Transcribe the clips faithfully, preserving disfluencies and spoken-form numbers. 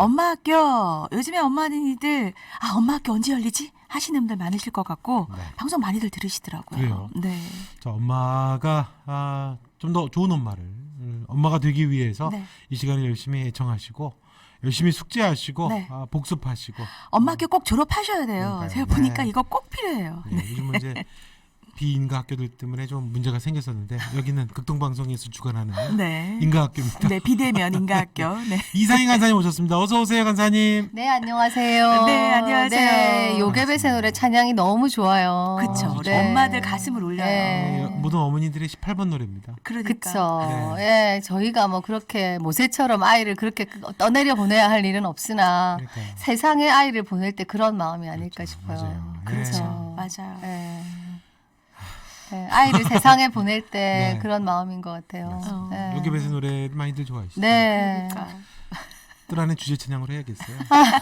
엄마 학교 요즘에 엄마들이들 아 엄마 학교 언제 열리지 하시는 분들 많으실 것 같고 네. 방송 많이들 들으시더라고요. 그래요? 네. 자, 엄마가 아, 좀 더 좋은 엄마를 음, 엄마가 되기 위해서 네. 이 시간을 열심히 애청하시고 열심히 숙제하시고 네. 아, 복습하시고 엄마 학교 꼭 졸업하셔야 돼요. 그러니까요. 제가 보니까 네. 이거 꼭 필요해요. 네, 요즘은 이제 비인가 학교들 때문에 좀 문제가 생겼었는데 여기는 극동방송에서 주관하는 네. 인가 학교입니다. 네, 비대면 인가학교. 네. 이상희 간사님 오셨습니다. 어서 오세요, 간사님. 네, 안녕하세요. 네, 안녕하세요. 네, 요괴배새 노래 찬양이 너무 좋아요. 그쵸. 우리 네. 엄마들 가슴을 울려요. 네. 어, 모든 어머니들의 십팔 번 노래입니다. 그러니까. 그쵸. 네. 예, 저희가 뭐 그렇게 모세처럼 아이를 그렇게 떠내려 보내야 할 일은 없으나 그러니까요. 세상에 아이를 보낼 때 그런 마음이 아닐까 그렇죠. 싶어요. 맞아요. 그렇죠. 맞아요. 예. 예, 아이를 세상에 보낼 때 네. 그런 마음인 것 같아요. 어. 예. 요괴배새 노래를 많이들 좋아하시죠? 네. 그러니까. 뜰 안에 주제 찬양으로 해야겠어요.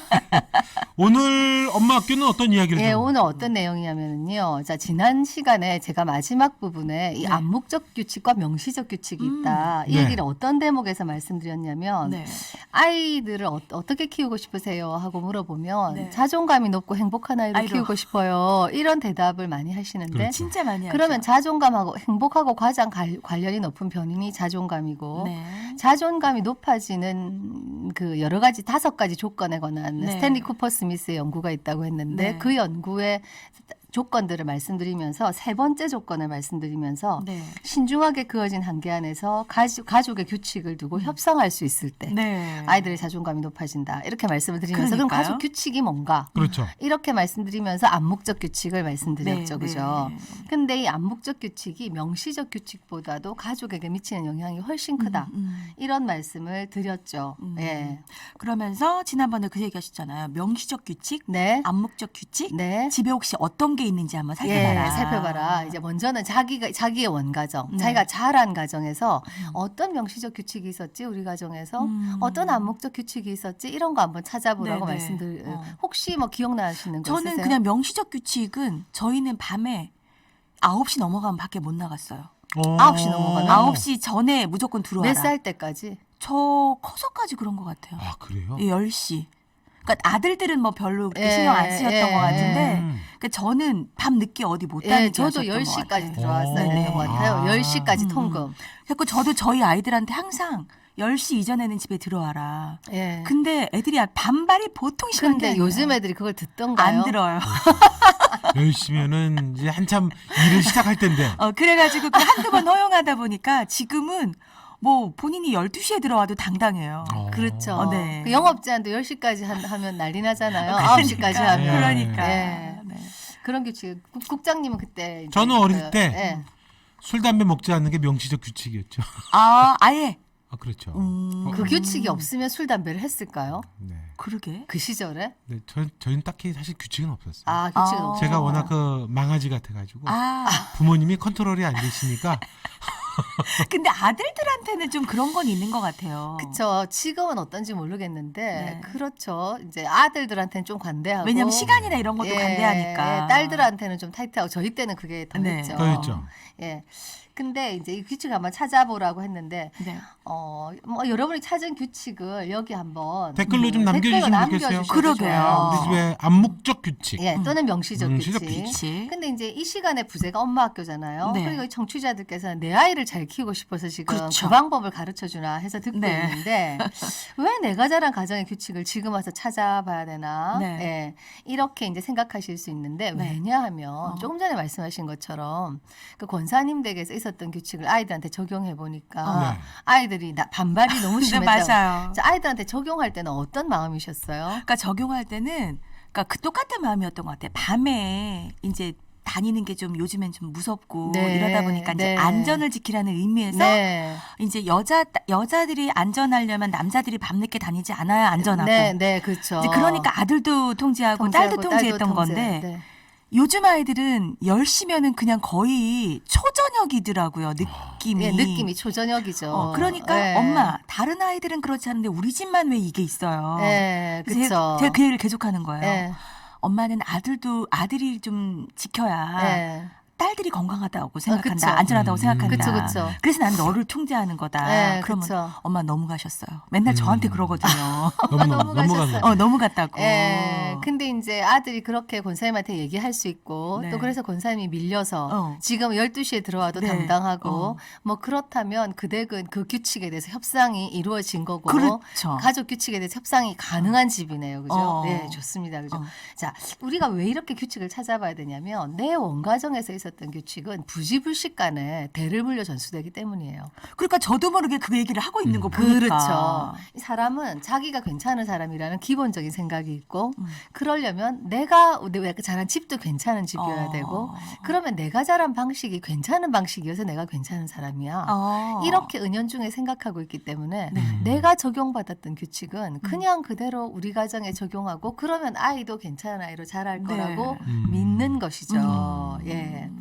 오늘 엄마 학교는 어떤 이야기를 예, 좀- 오늘 어떤 내용이냐면요. 자, 지난 시간에 제가 마지막 부분에 이 네. 암묵적 규칙과 명시적 규칙이 음. 있다. 이 네. 얘기를 어떤 대목에서 말씀드렸냐면 네. 아이들을 어, 어떻게 키우고 싶으세요? 하고 물어보면 네. 자존감이 높고 행복한 아이를 아이로. 키우고 싶어요. 이런 대답을 많이 하시는데 그렇죠. 진짜 많이 하죠. 그러면 자존감하고 행복하고 가장 갈- 관련이 높은 변인이 자존감이고 네. 자존감이 높아지는 그 여러 가지 다섯 가지 조건에 관한 네. 스탠리 쿠퍼 스미스의 연구가 있다고 했는데 네. 그 연구의 조건들을 말씀드리면서 세 번째 조건을 말씀드리면서 네. 신중하게 그어진 한계 안에서 가족, 가족의 규칙을 두고 협상할 수 있을 때 음. 네. 아이들의 자존감이 높아진다. 이렇게 말씀을 드리면서 그럼 그러니까요. 가족 규칙이 뭔가 그렇죠. 이렇게 말씀드리면서 암묵적 규칙을 말씀드렸죠. 네, 그죠? 네. 근데 이 암묵적 규칙이 명시적 규칙보다도 가족에게 미치는 영향이 훨씬 크다. 음, 음. 이런 말씀을 드렸죠. 음. 예. 그러면서 지난번에 그 얘기하셨잖아요. 명시적 규칙, 네. 암묵적 규칙. 네. 집에 혹시 어떤 게 있는지 한번 살펴봐라. 예, 살펴봐라. 이제 먼저는 자기가 자기의 원가정, 네. 자기가 자란 가정에서 음. 어떤 명시적 규칙이 있었지 우리 가정에서 음. 어떤 암묵적 규칙이 있었지 이런 거 한번 찾아보라고 네네. 말씀들. 어. 혹시 뭐 기억나시는 거 저는 있으세요? 그냥 명시적 규칙은 저희는 밤에 아홉 시 넘어가면 밖에 못 나갔어요. 어. 아홉 시 넘어가면? 아홉 시 전에 무조건 들어와라. 몇 살 때까지? 저 커서까지 그런 것 같아요. 아, 그래요? 예, 열 시. 그러니까 아들들은 뭐 별로 그렇게 예, 신경 안 쓰였던 예, 것 같은데 음. 그러니까 저는 밤 늦게 어디 못 예, 다니게 저도 하셨던 열 것 시까지 같아요. 들어왔어야 오. 됐던 것 같아요. 아. 열 시까지 음, 통금. 그래서 저도 저희 아이들한테 항상 열 시 이전에는 집에 들어와라. 예. 근데 애들이 반발이 보통 심한 게 근데 아니에요. 요즘 애들이 그걸 듣던가요? 안 들어요. 열시면은 이제 한참 일을 시작할 텐데. 어, 그래가지고 그 한두 번 허용하다 보니까 지금은 뭐 본인이 열두 시에 들어와도 당당해요. 어. 그렇죠. 어, 네. 그 영업 제한도 열 시까지 한, 하면 난리 나잖아요. 그러니까, 아홉 시까지 하면. 그러니까. 예. 네. 그런 규칙. 국, 국장님은 그때 이제 저는 어릴 그, 때 예. 술, 담배 먹지 않는 게 명시적 규칙이었죠. 아, 아예. 아, 그렇죠. 음, 그 규칙이 없으면 술 담배를 했을까요? 네. 그러게. 그 시절에? 네, 저, 저희는 딱히 사실 규칙은 없었어요. 아, 규칙은 아. 없 제가 워낙 그 망아지 같아가지고 아, 부모님이 컨트롤이 안 되시니까 근데 아들들한테는 좀 그런 건 있는 것 같아요. 그쵸. 지금은 어떤지 모르겠는데, 네. 그렇죠. 이제 아들들한테는 좀 관대하고. 왜냐면 시간이나 이런 것도 예, 관대하니까. 예, 딸들한테는 좀 타이트하고, 저희 때는 그게 더 네. 했죠. 더 했죠. 예. 근데 이제 이 규칙 한번 찾아보라고 했는데, 네. 어, 뭐 여러분이 찾은 규칙을 여기 한번 댓글로 좀 음, 남겨주시면 댓글로 좋겠어요. 남겨주셔도 그러게요. 좋아요. 우리 집에 암묵적 규칙. 예, 또는 명시적, 명시적 규칙. 규칙. 근데 이제 이 시간에 부제가 엄마 학교잖아요. 네. 그리고 청취자들께서는 내 아이를 잘 키우고 싶어서 지금 그렇죠. 그 방법을 가르쳐 주나 해서 듣고 네. 있는데 왜 내가 자란 가정의 규칙을 지금 와서 찾아봐야 되나? 네. 예, 이렇게 이제 생각하실 수 있는데 네. 왜냐하면 어. 조금 전에 말씀하신 것처럼 그 권사님 댁에서 있었던 규칙을 아이들한테 적용해 보니까 어. 네. 아이들이 나, 반발이 너무 네, 심했다. 맞아요. 자, 아이들한테 적용할 때는 어떤 마음이셨어요? 그러니까 적용할 때는 그러니까 그 똑같은 마음이었던 것 같아요. 밤에 이제 다니는 게 좀 요즘엔 좀 무섭고 네, 이러다 보니까 이제 네. 안전을 지키라는 의미에서 네. 이제 여자 여자들이 안전하려면 남자들이 밤늦게 다니지 않아야 안전하고. 네, 네, 그렇죠. 이제 그러니까 아들도 통제하고, 통제하고 딸도 통제했던 딸도 통제. 건데 네. 요즘 아이들은 열 시면은 그냥 거의 초저녁이더라고요. 느낌이. 예, 느낌이 초저녁이죠. 어, 그러니까 예. 엄마 다른 아이들은 그렇지 않은데 우리 집만 왜 이게 있어요. 예, 그래서 그렇죠. 제가, 제가 그 얘기를 계속하는 거예요. 예, 엄마는 아들도 아들이 좀 지켜야 예. 딸들이 건강하다고 생각한다. 그쵸. 안전하다고 음. 생각한다. 그쵸, 그쵸. 그래서 난 너를 통제하는 거다. 네, 그러면 그쵸. 엄마 너무 가셨어요. 맨날 음. 저한테 그러거든요. 너무 너무 넘어간 가셨어요. 거. 어, 너무 갔다고. 예. 근데 이제 아들이 그렇게 권사님한테 얘기할 수 있고 네. 또 그래서 권사님이 밀려서 어. 지금 열두 시에 들어와도 네. 당당하고 어. 뭐 그렇다면 그 댁은 그 규칙에 대해서 협상이 이루어진 거고 그렇죠. 가족 규칙에 대해서 협상이 가능한 집이네요. 그죠? 어. 네, 좋습니다. 그죠? 어. 자, 우리가 왜 이렇게 규칙을 찾아봐야 되냐면 내 원가정에서 있었던 규칙은 부지불식 간에 대를 물려 전수되기 때문이에요. 그러니까 저도 모르게 그 얘기를 하고 있는 거 음. 보니까. 그렇죠. 이 사람은 자기가 괜찮은 사람이라는 기본적인 생각이 있고 음. 그러려면 내가 내가 자란 집도 괜찮은 집이어야 어. 되고 그러면 내가 자란 방식이 괜찮은 방식이어서 내가 괜찮은 사람이야. 어. 이렇게 은연중에 생각하고 있기 때문에 네. 음. 내가 적용받았던 규칙은 그냥 그대로 우리 가정에 적용하고 그러면 아이도 괜찮은 아이로 자랄 네. 거라고 음. 믿는 것이죠. 음. 예.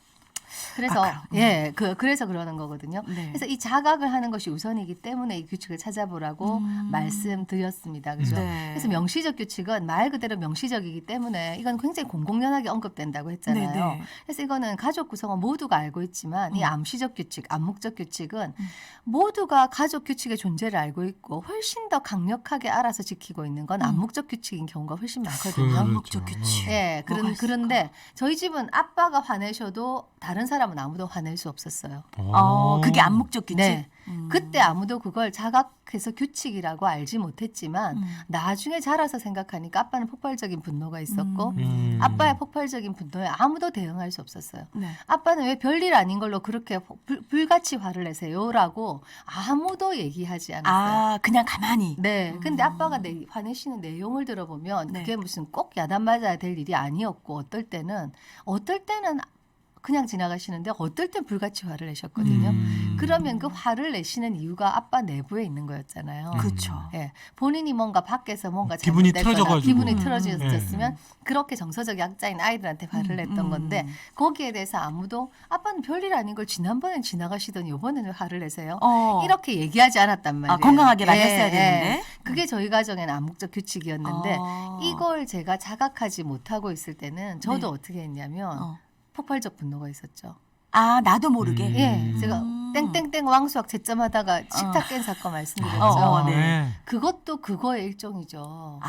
그래서 아, 그럼. 예, 그 그래서 그러는 거거든요. 네. 그래서 이 자각을 하는 것이 우선이기 때문에 이 규칙을 찾아보라고 음. 말씀드렸습니다. 그죠? 네. 그래서 명시적 규칙은 말 그대로 명시적이기 때문에 이건 굉장히 공공연하게 언급된다고 했잖아요. 네, 네. 그래서 이거는 가족 구성원 모두가 알고 있지만 이 음. 암시적 규칙, 암묵적 규칙은 음. 모두가 가족 규칙의 존재를 알고 있고 훨씬 더 강력하게 알아서 지키고 있는 건 음. 암묵적 규칙인 경우가 훨씬 많거든요. 그렇죠. 암묵적 규칙. 예, 뭐가 그런, 있을까? 그런데 저희 집은 아빠가 화내셔도 다른 사람은 아무도 화낼 수 없었어요. 어, 그게 암묵적 규칙. 네. 음. 그때 아무도 그걸 자각해서 규칙이라고 알지 못했지만 음. 나중에 자라서 생각하니까 아빠는 폭발적인 분노가 있었고 음. 음. 아빠의 폭발적인 분노에 아무도 대응할 수 없었어요. 네. 아빠는 왜 별일 아닌 걸로 그렇게 불, 불같이 화를 내세요라고 아무도 얘기하지 않았어요. 아, 그냥 가만히. 네. 근데 음. 아빠가 내, 화내시는 내용을 들어보면 네. 그게 무슨 꼭 야단 맞아야 될 일이 아니었고 어떨 때는 어떨 때는 그냥 지나가시는데 어떨 땐 불같이 화를 내셨거든요. 음. 그러면 그 화를 내시는 이유가 아빠 내부에 있는 거였잖아요. 음. 그렇죠. 예, 본인이 뭔가 밖에서 뭔가 기분이 잘못됐거나 틀어져가지고. 기분이 음. 틀어졌으면 그렇게 정서적 약자인 아이들한테 화를 음, 냈던 음. 건데 거기에 대해서 아무도 아빠는 별일 아닌 걸 지난번엔 지나가시더니 이번에는 화를 내세요. 어. 이렇게 얘기하지 않았단 말이에요. 아, 건강하게 예, 말렸어야 예. 되는데. 그게 저희 가정에는 암묵적 규칙이었는데 어. 이걸 제가 자각하지 못하고 있을 때는 저도 네. 어떻게 했냐면 어. 폭발적 분노가 있었죠. 아, 나도 모르게. 음. 예, 제가 음. 땡땡땡 왕수학 채점하다가 식탁 깬 사건 말씀드렸죠. 어, 어, 네. 네. 그것도 그거의 일종이죠.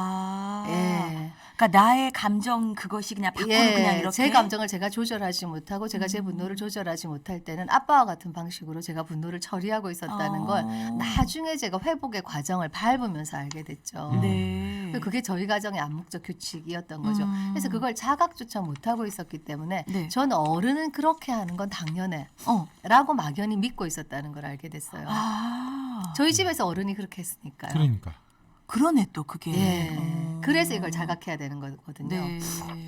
아. 예. 그러니까 나의 감정 그것이 그냥 밖으로 그냥 이렇게. 제 감정을 제가 조절하지 못하고 제가 제 음. 분노를 조절하지 못할 때는 아빠와 같은 방식으로 제가 분노를 처리하고 있었다는 어. 걸 나중에 제가 회복의 과정을 밟으면서 알게 됐죠. 음. 네. 그게 저희 가정의 암묵적 규칙이었던 거죠. 음. 그래서 그걸 자각조차 못하고 있었기 때문에 네. 저는 어른은 그렇게 하는 건 당연해 어. 라고 막연히 믿고 있었다는 걸 알게 됐어요. 아. 저희 집에서 어른이 그렇게 했으니까요. 그러니까. 그러네 또 그게. 예. 어. 그래서 이걸 자각해야 되는 거거든요. 네.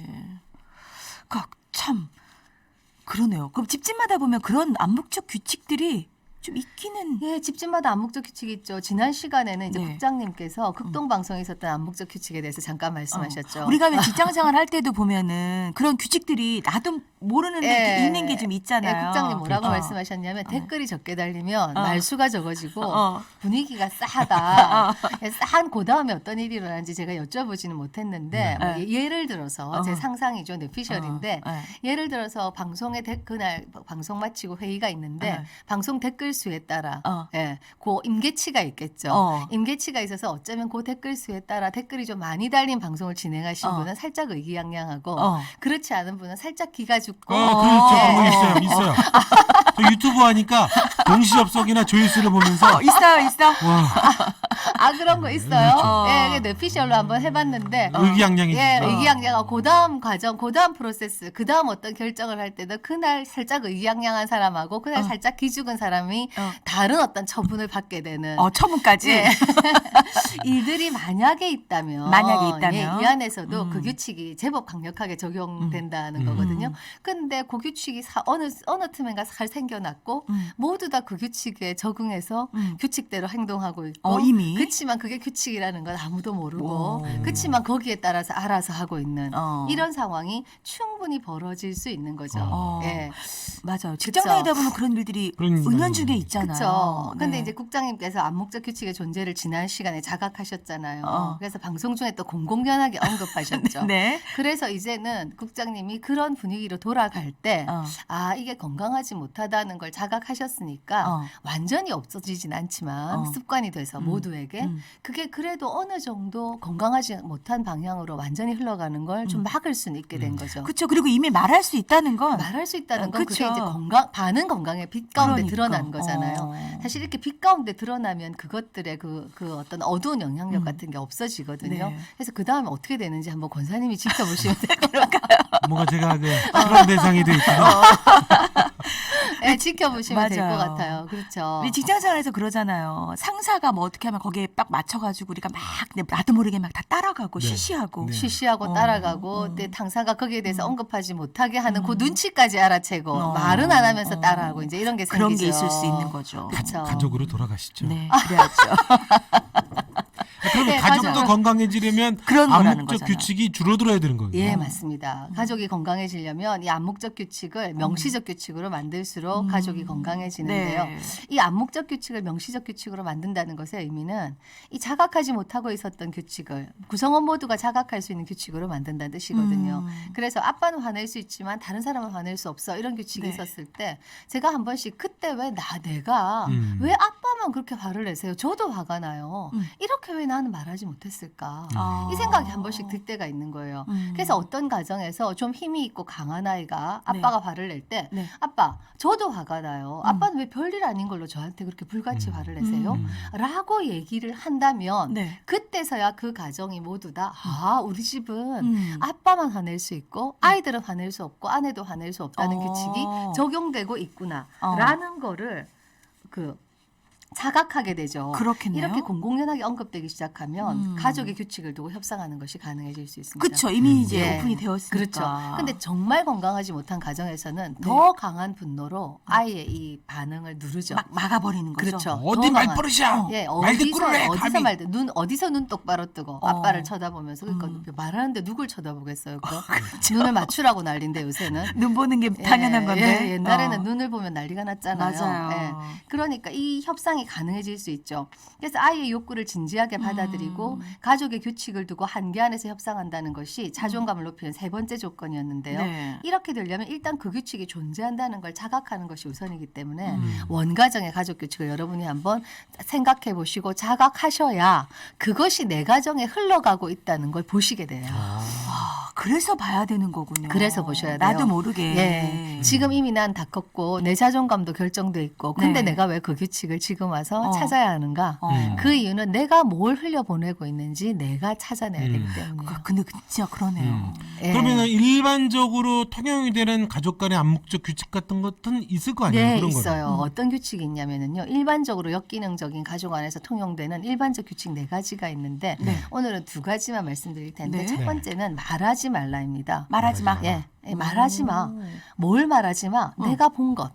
그 참 그러네요. 그럼 집집마다 보면 그런 암묵적 규칙들이 좀 있기는. 예, 집집마다 암묵적 규칙이 있죠. 지난 시간에는 이제 네. 국장님께서 극동 방송에 있었던 암묵적 규칙에 대해서 잠깐 말씀하셨죠. 어. 우리가 왜 직장 생활 할 때도 보면은 그런 규칙들이 나도 모르는데 예. 이렇게 있는 게 좀 예, 있잖아요. 국장님 뭐라고 어. 말씀하셨냐면 댓글이 적게 달리면 어. 말수가 적어지고 어. 분위기가 싸하다. 싸한 그 다음에 어떤 일이 일어나는지 제가 여쭤보지는 못했는데 네. 뭐 예- 예를 들어서 어. 제 상상이죠. 뇌피셜인데 어. 네. 예를 들어서 방송에 데, 그날 방송 마치고 회의가 있는데 네. 방송 댓글 수에 따라 어. 예, 그 임계치가 있겠죠. 어. 임계치가 있어서 어쩌면 그 댓글 수에 따라 댓글이 좀 많이 달린 방송을 진행하신 어. 분은 살짝 의기양양하고 어. 그렇지 않은 분은 살짝 기가 죽고 어, 그렇죠. 예. 그런 거 있어요. 있어요. 저 유튜브 하니까 동시 접속이나 조회수를 보면서 어, 있어요, 있어. 와, 아 그런 거 있어요. 그렇죠. 예, 그 뇌피셜로 한번 해봤는데 의기양양해지죠. 예, 의기양양하고 그 다음 과정, 그 다음 프로세스, 그 다음 어떤 결정을 할 때도 그날 살짝 의기양양한 사람하고 그날 어. 살짝 기죽은 사람이 어. 다른 어떤 처분을 받게 되는 어, 처분까지. 예. 일들이 만약에 있다면 만약에 있다면. 예, 이 안에서도 음. 그 규칙이 제법 강력하게 적용된다는 음. 거거든요. 음. 근데 그 규칙이 사, 어느 어느 틈엔가 잘 생겨났고 음. 모두 다 그 규칙에 적응해서 음. 규칙대로 행동하고 있고 어, 이미. 그 그렇지만 그게 규칙이라는 건 아무도 모르고 오. 그렇지만 거기에 따라서 알아서 하고 있는 어. 이런 상황이 충분히 벌어질 수 있는 거죠. 어. 예. 맞아요. 직장 그쵸. 다니다 보면 그런 일들이 그런 일이 은연중에 많이 있잖아요. 그렇죠. 근데 네. 이제 국장님께서 암묵적 규칙의 존재를 지난 시간에 자각하셨잖아요. 어. 그래서 방송 중에 또 공공연하게 언급하셨죠. 네. 그래서 이제는 국장님이 그런 분위기로 돌아갈 때 어. 아, 이게 건강하지 못하다는 걸 자각하셨으니까 어. 완전히 없어지진 않지만 어. 습관이 돼서 음. 모두에게 음. 그게 그래도 어느 정도 건강하지 못한 방향으로 완전히 흘러가는 걸 좀 음. 막을 수는 있게 된 음. 거죠. 그렇죠. 그리고 이미 말할 수 있다는 건 말할 수 있다는 어, 건 그게 그쵸. 이제 건강 반은 건강의 빛 가운데 그러니까. 드러난 거잖아요. 어. 사실 이렇게 빛 가운데 드러나면 그것들의 그, 그 어떤 어두운 영향력 음. 같은 게 없어지거든요. 네. 그래서 그 다음에 어떻게 되는지 한번 권사님이 지켜보시면 될 것 같아요. 뭔가 제가 그 실험 대상이 돼 있구나. 네, 지켜보시면 될 것 맞아요. 같아요. 그렇죠. 우리 직장 생활에서 그러잖아요. 상사가 뭐 어떻게 하면 거기에 딱 맞춰가지고 우리가 막 나도 모르게 막 다 따라가고 네. 쉬쉬하고. 네. 쉬쉬하고 어, 따라가고 어. 때 당사가 거기에 대해서 음. 언급하지 못하게 하는 그 음. 눈치까지 알아채고 어. 말은 안 하면서 어. 따라하고 이제 이런 게 그런 생기죠. 게 있을 수 있는 거죠. 그쵸. 가족으로 돌아가시죠. 네, 그래야죠. 그러면 네, 가족도 맞아요. 건강해지려면 그런 거라는 암묵적 거잖아요. 규칙이 줄어들어야 되는 거예요. 예, 맞습니다. 가족이 건강해지려면 이 암묵적 규칙을 명시적 규칙으로 만들수록 음. 가족이 건강해지는데요. 네. 이 암묵적 규칙을 명시적 규칙으로 만든다는 것의 의미는 이 자각하지 못하고 있었던 규칙을 구성원 모두가 자각할 수 있는 규칙으로 만든다는 뜻이거든요. 음. 그래서 아빠는 화낼 수 있지만 다른 사람은 화낼 수 없어 이런 규칙이 네. 있었을 때 제가 한 번씩 그때 왜 나 내가 음. 왜 아빠만 그렇게 화를 내세요? 저도 화가 나요. 음. 이렇게 왜 나는 말하지 못했을까? 아. 이 생각이 한 번씩 들 때가 있는 거예요. 음. 그래서 어떤 가정에서 좀 힘이 있고 강한 아이가 네. 아빠가 화를 낼 때 네. 아빠 저도 화가 나요. 음. 아빠는 왜 별일 아닌 걸로 저한테 그렇게 불같이 음. 화를 내세요? 음. 라고 얘기를 한다면 네. 그때서야 그 가정이 모두 다 아 우리 집은 음. 아빠만 화낼 수 있고 아이들은 화낼 수 없고 아내도 화낼 수 없다는 어. 규칙이 적용되고 있구나 어. 라는 거를 그 자각하게 되죠. 그렇겠네요. 이렇게 공공연하게 언급되기 시작하면 음. 가족의 규칙을 두고 협상하는 것이 가능해질 수 있습니다. 그렇죠. 이미 이제 예. 오픈이 되었으니까. 그렇죠. 근데 정말 건강하지 못한 가정에서는 더 강한 분노로 아이의 이 반응을 누르죠. 막 막아버리는 거죠. 그렇죠. 어디 더 강한. 말버릇이야. 예, 말 어디서 듣고를 해. 어디서 감히. 말든 눈 어디서 눈 똑바로 뜨고 어. 아빠를 쳐다보면서 그러니까 음. 말하는데 누굴 쳐다보겠어요? 그럼 눈을 맞추라고 난리인데 요새는 눈 보는 게 예, 당연한 건데. 예, 옛날에는 어. 눈을 보면 난리가 났잖아요. 맞아요. 예. 그러니까 이 협상이 가능해질 수 있죠. 그래서 아이의 욕구를 진지하게 받아들이고 음. 가족의 규칙을 두고 한계 안에서 협상한다는 것이 자존감을 높이는 세 번째 조건이었는데요. 네. 이렇게 되려면 일단 그 규칙이 존재한다는 걸 자각하는 것이 우선이기 때문에 음. 원가정의 가족 규칙을 여러분이 한번 생각해 보시고 자각하셔야 그것이 내 가정에 흘러가고 있다는 걸 보시게 돼요. 아, 그래서 봐야 되는 거군요. 그래서 보셔야 돼요. 나도 모르게. 예. 지금 이미 난 다 컸고 내 자존감도 결정돼 있고 근데 네. 내가 왜 그 규칙을 지금 와서 어. 찾아야 하는가? 어. 음. 그 이유는 내가 뭘 흘려보내고 있는지 내가 찾아내야 음. 되기 때문이에요. 그- 근데 진짜 그러네요. 음. 예. 그러면 일반적으로 통용이 되는 가족 간의 암묵적 규칙 같은 것은 있을 거 아니에요? 네, 그런 거는. 있어요. 음. 어떤 규칙이 있냐면은요. 일반적으로 역기능적인 가족 안에서 통용되는 일반적 규칙 네 가지가 있는데 네. 오늘은 두 가지만 말씀드릴 텐데 네. 첫 네. 번째는 말하지 말라입니다. 말하지 마. 말하지 예, 예, 말하지 마. 오. 뭘 말하지 마. 어. 내가 본 것.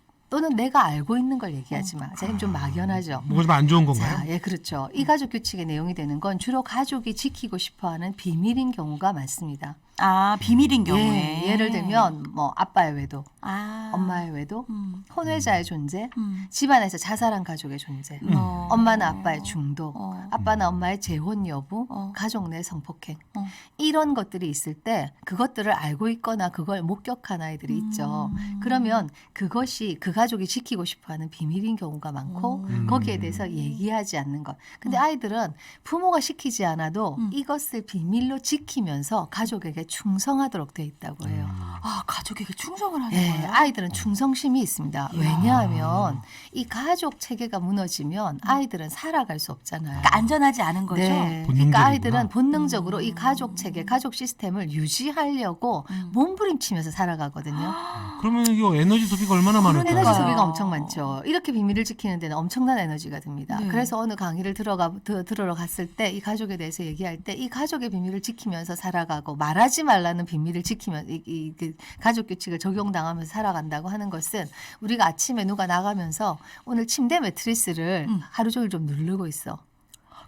또는 내가 알고 있는 걸 얘기하지 마. 자, 좀 막연하죠. 뭐가 좀 안 좋은 건가요? 자, 예, 그렇죠. 이 가족 규칙의 내용이 되는 건 주로 가족이 지키고 싶어하는 비밀인 경우가 많습니다. 아, 비밀인 경우에. 예, 예를 들면 뭐 아빠의 외도, 아. 엄마의 외도, 음. 혼외자의 존재, 음. 집안에서 자살한 가족의 존재, 음. 어. 엄마나 아빠의 중도, 어. 아빠나 엄마의 재혼 여부, 어. 가족 내 성폭행 어. 이런 것들이 있을 때 그것들을 알고 있거나 그걸 목격한 아이들이 있죠. 음. 그러면 그것이 그 가족이 지키고 싶어하는 비밀인 경우가 많고 음. 거기에 대해서 얘기하지 않는 것. 근데 아이들은 부모가 시키지 않아도 음. 이것을 비밀로 지키면서 가족에게 충성하도록 돼 있다고 해요. 아, 가족에게 충성을 하는 예, 거예요? 아이들은 충성심이 있습니다. 이야. 왜냐하면 이 가족 체계가 무너지면 아이들은 살아갈 수 없잖아요. 그러니까 안전하지 않은 거죠? 네. 본능적이구나. 그러니까 아이들은 본능적으로 음. 이 가족 체계, 가족 시스템을 유지하려고 음. 몸부림치면서 살아가거든요. 그러면 이거 에너지 소비가 얼마나 많을까요? 에너지 그러니까요. 소비가 엄청 많죠. 이렇게 비밀을 지키는 데는 엄청난 에너지가 듭니다. 네. 그래서 어느 강의를 들어가 드, 들으러 갔을 때 이 가족에 대해서 얘기할 때 이 가족의 비밀을 지키면서 살아가고 말하지 말라는 비밀을 지키면 이, 이, 그 가족 규칙을 적용당하면서 살아간다고 하는 것은 우리가 아침에 누가 나가면서 오늘 침대 매트리스를 음. 하루 종일 좀 누르고 있어.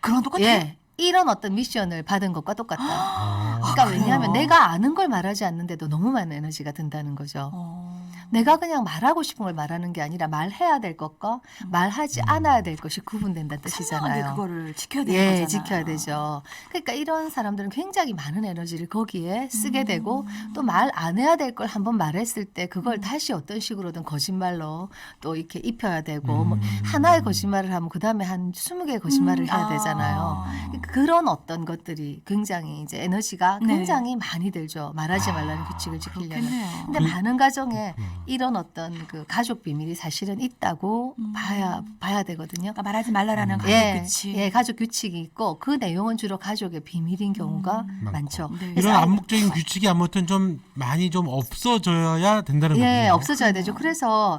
그런 똑같아요. 예. 이런 어떤 미션을 받은 것과 똑같다. 아. 그러니까 아, 왜냐하면 그래요? 내가 아는 걸 말하지 않는데도 너무 많은 에너지가 든다는 거죠. 어. 내가 그냥 말하고 싶은 걸 말하는 게 아니라 말해야 될 것과 말하지 음. 않아야 될 것이 구분된다는 선명하게 뜻이잖아요. 그거를 지켜야 되는 예, 거잖아요. 지켜야 되죠. 그러니까 이런 사람들은 굉장히 많은 에너지를 거기에 쓰게 음. 되고 또 말 안 해야 될 걸 한번 말했을 때 그걸 음. 다시 어떤 식으로든 거짓말로 또 이렇게 입혀야 되고 뭐 음. 하나의 거짓말을 하면 그 다음에 한 스무 개의 거짓말을 음, 해야 아. 되잖아요. 그런 어떤 것들이 굉장히 이제 에너지가 네. 굉장히 많이 들죠. 말하지 아, 말라는 규칙을 지키려면. 그렇겠네요. 근데 그- 많은 가정에 음. 이런 어떤 그 가족 비밀이 사실은 있다고 음. 봐야 봐야 되거든요. 그러니까 말하지 말라라는 음. 가족 예, 규칙. 예, 가족 규칙이 있고 그 내용은 주로 가족의 비밀인 경우가 음. 많죠. 네. 그래서 이런 아이- 암묵적인 규칙이 아무튼 좀 많이 좀 없어져야 된다는 예, 거군요. 없어져야 그럼요. 되죠. 그래서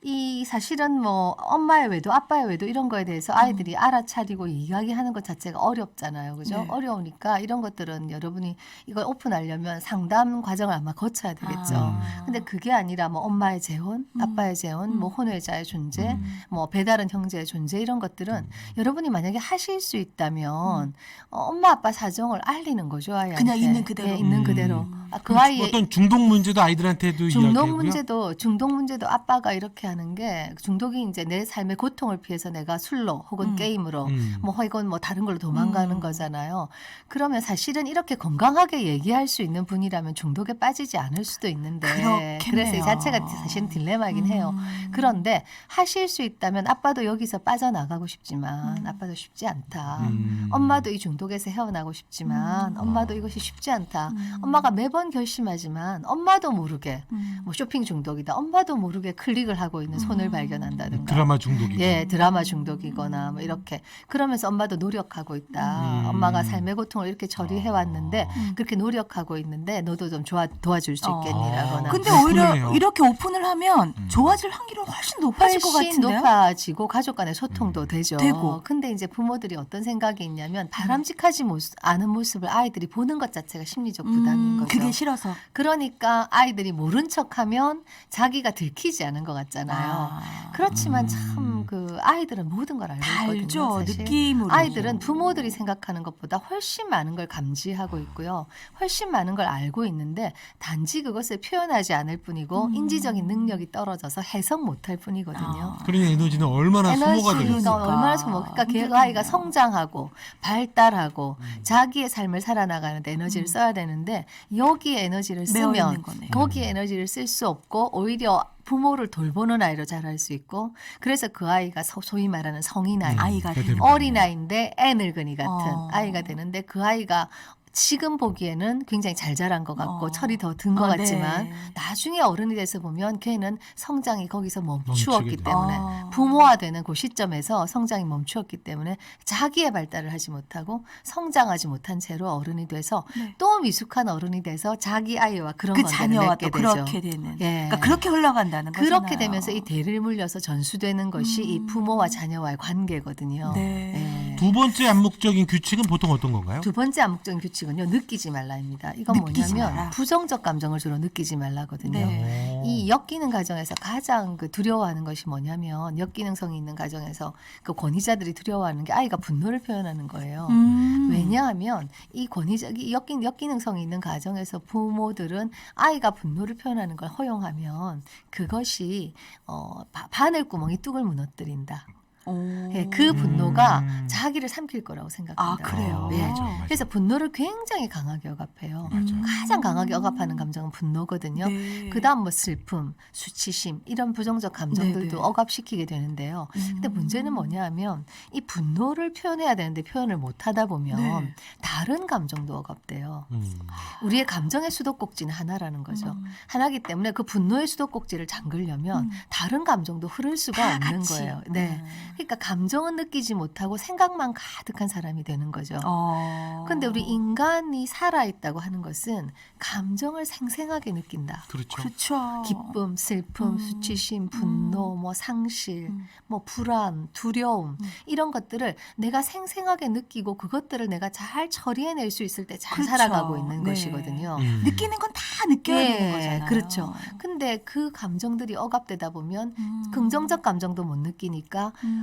이 사실은 뭐 엄마의 외도, 아빠의 외도 이런 거에 대해서 아이들이 알아차리고 이야기하는 것 자체가 어렵잖아요. 그죠? 네. 어려우니까 이런 것들은 여러분이 이걸 오픈하려면 상담 과정을 아마 거쳐야 되겠죠. 아. 근데 그게 아니라 뭐 엄마의 재혼, 음. 아빠의 재혼, 음. 뭐 혼외자의 존재, 음. 뭐 배다른 형제의 존재 이런 것들은 음. 여러분이 만약에 하실 수 있다면 어, 엄마 아빠 사정을 알리는 거죠. 아이한테. 그냥 있는 그대로. 예, 있는 음. 그대로. 아, 그 그럼 아이의 어떤 중독 문제도 아이들한테도 중독 이야기하고요. 문제도 중독 문제도 아빠가 이렇게 하는 게 중독이 이제 내 삶의 고통을 피해서 내가 술로 혹은 음. 게임으로 음. 뭐 혹은 뭐 다른 걸로 도망가는 음. 거잖아요. 그러면 사실은 이렇게 건강하게 얘기할 수 있는 분이라면 중독에 빠지지 않을 수도 있는데 그렇겠네요. 그래서 이 자체가 사실은 딜레마이긴 해요. 음. 그런데 하실 수 있다면 아빠도 여기서 빠져나가고 싶지만 음. 아빠도 쉽지 않다. 음. 엄마도 이 중독에서 헤어나고 싶지만 음. 엄마도 어. 이것이 쉽지 않다. 음. 엄마가 매번 결심하지만 엄마도 모르게 음. 뭐 쇼핑 중독이다. 엄마도 모르게 클릭을 하고 있는 손을 음. 발견한다든가. 드라마 중독이고. 예, 드라마 중독이거나 뭐 이렇게 그러면서 엄마도 노력하고 있다. 음. 엄마가 삶의 고통을 이렇게 처리해 왔는데 음. 그렇게 노력하고 있는데 너도 좀 좋아, 도와줄 수 어. 있겠니라거나. 근데 아, 오히려 그러네요. 이렇게 오픈을 하면 음. 좋아질 확률은 훨씬 높아질 것 훨씬 같은데요. 높아지고 가족 간의 소통도 음. 되죠. 되고. 근데 이제 부모들이 어떤 생각이 있냐면 바람직하지 모습, 않은 모습을 아이들이 보는 것 자체가 심리적 부담인 음, 거죠. 그게 싫어서. 그러니까 아이들이 모른 척하면 자기가 들키지 않은 것 같잖아요. 아. 그렇지만 음. 참 그 아이들은 모든 걸 알고 다 있거든요. 알죠. 사실. 느낌으로. 아이들은 부모들이 생각하는 것보다 훨씬 많은 걸 감지하고 있고요. 훨씬 많은 걸 알고 있는데 단지 그것을 표현하지 않을 뿐이고 음. 인지적인 능력이 떨어져서 해석 못할 뿐이거든요. 아. 그러니 에너지는 얼마나 소모가 에너지가 되겠어요. 그러니까. 얼마나 소모. 그러니까 걔 힘들겠네요. 아이가 성장하고 발달하고 음. 자기의 삶을 살아나가는데 에너지를 음. 써야 되는데 여기에 에너지를 매어 쓰면 있는 거네요. 거기에 음. 에너지를 쓸 수 없고 오히려 부모를 돌보는 아이로 자랄 수 있고 그래서 그 아이가 소, 소위 말하는 성인 아이, 음, 아이가 그게 되는 되는 어린 아이인데 애 늙은이 같은 어. 아이가 되는데 그 아이가 지금 보기에는 굉장히 잘 자란 것 같고 어. 철이 더 든 것 아, 같지만 네. 나중에 어른이 돼서 보면 걔는 성장이 거기서 멈추었기 멈추게 돼요. 때문에 아. 부모가 되는 그 시점에서 성장이 멈추었기 때문에 자기의 발달을 하지 못하고 성장하지 못한 채로 어른이 돼서 네. 또 미숙한 어른이 돼서 자기 아이와 그런 그 관계를 자녀와 맺게 또 되죠. 그렇게 되는. 예. 그러니까 그렇게 흘러간다는 거잖아요. 그렇게 되면서 이 대를 물려서 전수되는 것이 이 음. 부모와 자녀와의 관계거든요. 네. 예. 두 번째 암묵적인 규칙은 보통 어떤 건가요? 두 번째 암묵적인 규칙은요. 느끼지 말라입니다. 이건 느끼지 뭐냐면 마라. 부정적 감정을 주로 느끼지 말라거든요. 네. 이 역기능 가정에서 가장 그 두려워하는 것이 뭐냐면 역기능성이 있는 가정에서 그 권위자들이 두려워하는 게 아이가 분노를 표현하는 거예요. 음. 왜냐하면 이 권위적 이 역기, 역기능성이 있는 가정에서 부모들은 아이가 분노를 표현하는 걸 허용하면 그것이 어, 바, 바늘구멍이 뚝을 무너뜨린다. 오. 예, 그 분노가 음. 자기를 삼킬 거라고 생각한다. 아, 그래요? 예. 맞아, 맞아. 그래서 분노를 굉장히 강하게 억압해요. 맞아요. 음. 가장 강하게 억압하는 감정은 분노거든요. 네. 그다음 뭐 슬픔, 수치심 이런 부정적 감정들도 네네. 억압시키게 되는데요. 근데 음. 문제는 뭐냐하면 이 분노를 표현해야 되는데 표현을 못 하다 보면 네. 다른 감정도 억압돼요. 음. 우리의 감정의 수도꼭지는 하나라는 거죠. 음. 하나기 때문에 그 분노의 수도꼭지를 잠그려면 음. 다른 감정도 흐를 수가 다 없는 같이. 거예요. 네. 음. 그러니까 감정은 느끼지 못하고 생각만 가득한 사람이 되는 거죠. 어. 근데 우리 인간이 살아있다고 하는 것은 감정을 생생하게 느낀다. 그렇죠. 그렇죠. 기쁨, 슬픔, 음. 수치심, 분노, 뭐 상실, 음. 뭐 불안, 두려움 음. 이런 것들을 내가 생생하게 느끼고 그것들을 내가 잘 처리해낼 수 있을 때 잘 그렇죠. 살아가고 있는 네. 것이거든요. 음. 느끼는 건 다 느껴야 예, 되는 거잖아요. 그렇죠. 근데 그 감정들이 억압되다 보면 음. 긍정적 감정도 못 느끼니까 음.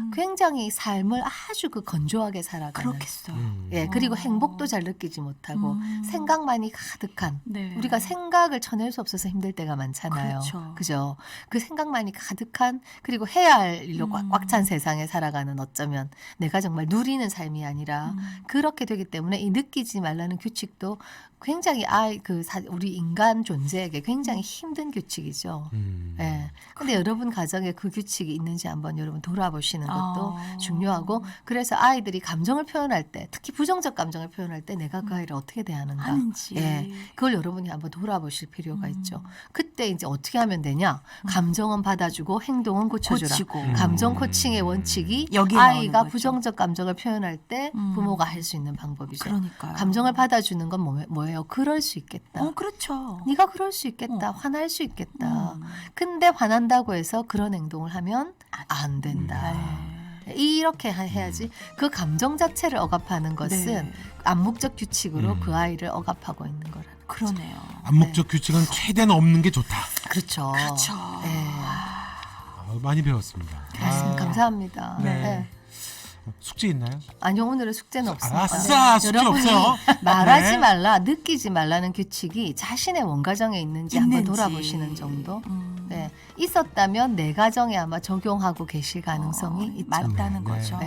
음. 굉장히 삶을 아주 그 건조하게 살아가는. 그렇겠어요. 음. 예, 그리고 어. 행복도 잘 느끼지 못하고 음. 생각만이 가득한. 네. 우리가 생각을 쳐낼 수 없어서 힘들 때가 많잖아요. 그렇죠. 그죠? 그 생각만이 가득한 그리고 해야 할 일로 음. 꽉 찬 세상에 살아가는 어쩌면 내가 정말 누리는 삶이 아니라 음. 그렇게 되기 때문에 이 느끼지 말라는 규칙도 굉장히 아이 그 사- 우리 인간 존재에게 굉장히 힘든 규칙이죠. 음. 예. 근데 여러분 가정에 그 규칙이 있는지 한번 여러분 돌아보시는 것도 아. 중요하고 그래서 아이들이 감정을 표현할 때 특히 부정적 감정을 표현할 때 내가 그 아이를 어떻게 대하는가 하는지. 예. 그걸 여러분이 한번 돌아보실 필요가 음. 있죠. 그때 이제 어떻게 하면 되냐? 감정은 받아주고 행동은 고쳐주라. 고치고. 음. 감정 코칭의 원칙이 여기에 나오는 아이가 거죠. 부정적 감정을 표현할 때 음. 부모가 할 수 있는 방법이죠. 그러니까요. 감정을 받아주는 건 뭐- 뭐예요? 그럴 수 있겠다. 어, 그렇죠. 네가 그럴 수 있겠다. 어. 화날 수 있겠다. 음. 근데 화난다고 해서 그런 행동을 하면 안 된다. 네. 이렇게 하- 해야지 그 감정 자체를 억압하는 것은 네. 암묵적 규칙으로 음. 그 아이를 억압하고 있는 거라는 거죠. 그러네요. 암묵적 규칙은 최대한 없는 게 좋다. 그렇죠. 그렇죠. 네. 아, 많이 배웠습니다. 알겠습니다. 아, 감사합니다. 네. 네. 숙제 있나요? 아니요, 오늘은 숙제는 없습니다. 아싸, 숙제 여러분이 없어요. 말하지 네. 말라, 느끼지 말라는 규칙이 자신의 원가정에 있는지, 한번 있는지. 돌아보시는 정도. 음. 네. 있었다면 내 가정에 아마 적용하고 계실 가능성이 어, 있죠. 맞다는 네. 거죠.